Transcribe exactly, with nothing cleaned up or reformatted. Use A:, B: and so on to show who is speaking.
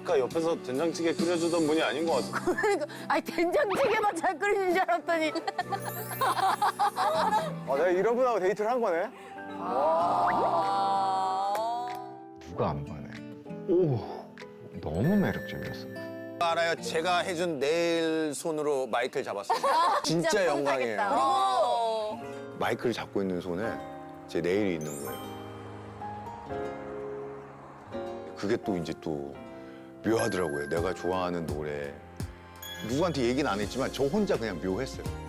A: 보니까 옆에서 된장찌개 끓여주던 분이 아닌 것 같아.
B: 그러니까 아니 된장찌개만 잘 끓이는 줄 알았더니
C: 아, 내가 이런 분하고 데이트를 한 거네?
D: 누가 안 반해? 오, 너무 매력적이었어.
E: 알아요. 제가 해준 네일 손으로 마이크를 잡았어요. 진짜 영광이에요.
F: 마이크를 잡고 있는 손에 제 네일이 있는 거예요. 그게 또 이제 또 묘하더라고요. 내가 좋아하는 노래. 누구한테 얘기는 안 했지만 저 혼자 그냥 묘했어요.